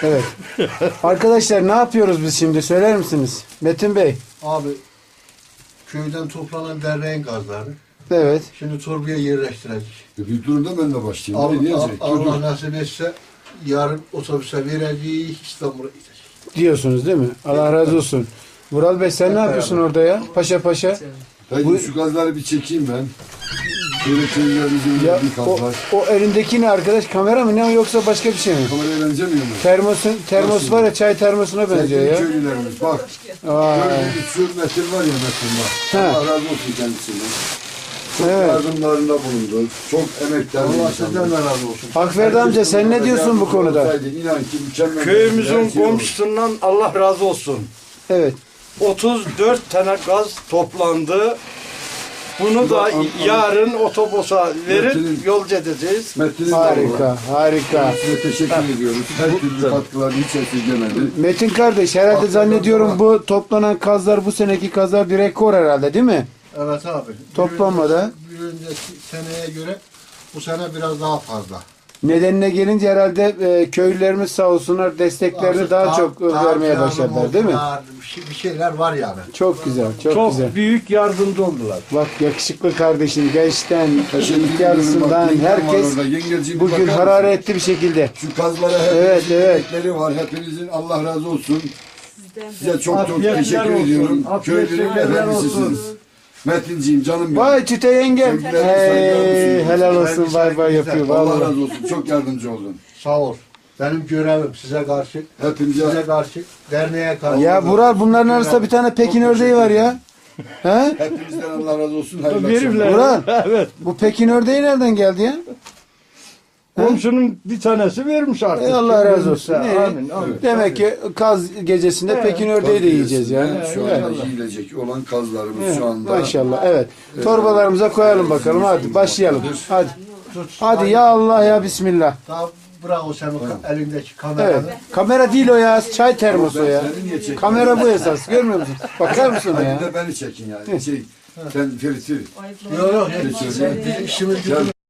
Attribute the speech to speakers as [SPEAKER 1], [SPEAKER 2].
[SPEAKER 1] Evet. Arkadaşlar ne yapıyoruz biz şimdi söyler misiniz? Metin Bey.
[SPEAKER 2] Abi köyden toplanan derneğin gazları.
[SPEAKER 1] Evet.
[SPEAKER 2] Şimdi torbaya yerleştirecek.
[SPEAKER 3] Bir durumda ben de başlayayım. Ne diyecek?
[SPEAKER 2] Allah nasip etse yarın otobüse vereceği İstanbul'a gidecek.
[SPEAKER 1] Diyorsunuz değil mi? Allah razı olsun. Vural Bey sen ne yapıyorsun orada ya? Paşa paşa.
[SPEAKER 3] Hadi şu gazları bir çekeyim ben. Böyle köylerimizin
[SPEAKER 1] Ya
[SPEAKER 3] bir
[SPEAKER 1] o,
[SPEAKER 3] gazlar.
[SPEAKER 1] o elindeki ne arkadaş? Kamera mı ne o yoksa başka bir şey mi?
[SPEAKER 3] Kameraya benzemiyor mu?
[SPEAKER 1] Termos var ya çay termosuna benziyor
[SPEAKER 3] Sevgili
[SPEAKER 1] ya.
[SPEAKER 3] köylülerimiz bak.
[SPEAKER 1] Vay.
[SPEAKER 3] Gördüğünüz şu Metin var ya Metin var.
[SPEAKER 1] He.
[SPEAKER 3] Allah razı olsun kendisinden. Çok
[SPEAKER 1] Evet.
[SPEAKER 3] yardımlarında bulundu. Çok emekler.
[SPEAKER 2] Allah sizden de razı olsun.
[SPEAKER 1] Akferdi amca sen ne diyorsun bu konuda?
[SPEAKER 3] İnan ki mükemmel.
[SPEAKER 4] Köyümüzün
[SPEAKER 3] her şey olur.
[SPEAKER 4] komşusundan Allah razı olsun.
[SPEAKER 1] Evet.
[SPEAKER 4] 34 tane gaz toplandı. Bunu da yarın otobüse verip yolcu edeceğiz.
[SPEAKER 3] Metin'in
[SPEAKER 1] Harika, harika.
[SPEAKER 3] Size teşekkür ediyoruz. Her türlü katkılarını hiç esirgemedi.
[SPEAKER 1] Metin kardeş herhalde zannediyorum bu toplanan kazlar bu seneki kazlar bir rekor herhalde değil mi?
[SPEAKER 2] Evet abi.
[SPEAKER 1] Toplanmada.
[SPEAKER 2] Bir önceki seneye göre bu sene biraz daha fazla.
[SPEAKER 1] Nedenine gelince herhalde köylülerimiz sağ olsunlar desteklerini daha çok vermeye başladılar değil mi?
[SPEAKER 2] Bir şeyler var yani.
[SPEAKER 1] Çok güzel, çok,
[SPEAKER 4] Çok
[SPEAKER 1] güzel.
[SPEAKER 4] büyük yardımcı oldular.
[SPEAKER 1] Bak yakışıklı kardeşim gençten,
[SPEAKER 3] Teşekkür
[SPEAKER 1] ihtiyarlısından
[SPEAKER 3] ediyorum. Bak,
[SPEAKER 1] herkes
[SPEAKER 3] orada. Yengeciğim,
[SPEAKER 1] bugün
[SPEAKER 3] bakar mısın?
[SPEAKER 1] hararetli bir şekilde.
[SPEAKER 3] Şu kazlara
[SPEAKER 1] Evet,
[SPEAKER 3] hepinizin
[SPEAKER 1] evet.
[SPEAKER 3] emekleri var. Hepinizin Allah razı olsun. Size çok
[SPEAKER 4] Afiyetler
[SPEAKER 3] teşekkür
[SPEAKER 4] olsun.
[SPEAKER 3] ediyorum.
[SPEAKER 4] Afiyetler
[SPEAKER 3] Köylünün
[SPEAKER 4] olsun.
[SPEAKER 3] efendisisiniz. Metinciğim canım benim.
[SPEAKER 1] Vay Çüte yengem.
[SPEAKER 3] Sevgiler,
[SPEAKER 1] Hey,
[SPEAKER 3] saygılar olsun.
[SPEAKER 1] helal olsun bay bay yapıyor
[SPEAKER 3] Allah
[SPEAKER 1] vallahi.
[SPEAKER 3] razı olsun. Çok yardımcı oldun.
[SPEAKER 2] Sağ ol. Benim görevim size karşı,
[SPEAKER 3] Hepinize
[SPEAKER 2] size karşı, derneğe karşı.
[SPEAKER 1] Ya Vural bunların arasında bir tane Pekin ördeği var ya. He?
[SPEAKER 3] hepinizden Allah razı olsun. Hayırlı
[SPEAKER 4] Verirler.
[SPEAKER 3] akşamlar.
[SPEAKER 1] Vural
[SPEAKER 4] Evet.
[SPEAKER 1] bu Pekin ördeği nereden geldi ya?
[SPEAKER 4] Komşunun bir tanesi vermiş artık.
[SPEAKER 1] Allah razı olsun.
[SPEAKER 4] Amin.
[SPEAKER 1] Ne?
[SPEAKER 4] Amin.
[SPEAKER 1] Demek ki kaz gecesinde Pekin ördeği de yiyeceğiz yani.
[SPEAKER 3] Evet, şu anda yiyecek olan kazlarımız şu anda.
[SPEAKER 1] Maşallah evet. Torbalarımıza koyalım bakalım hadi başlayalım. Hadi. Hadi ya Allah ya Bismillah.
[SPEAKER 2] Daha bırak o senin elindeki kameranı.
[SPEAKER 1] Evet. Kamera değil o ya. Çay termosu ya.
[SPEAKER 3] Seni niye çekiyorsun?
[SPEAKER 1] Kamera bu esas. Görmüyor musun? Bakar mısın
[SPEAKER 3] Hadi
[SPEAKER 1] ya?
[SPEAKER 3] de beni çekin yani. Sen Ferit'i.
[SPEAKER 2] Yok yok.
[SPEAKER 3] Geçiyor.
[SPEAKER 2] İşimiz gücümüz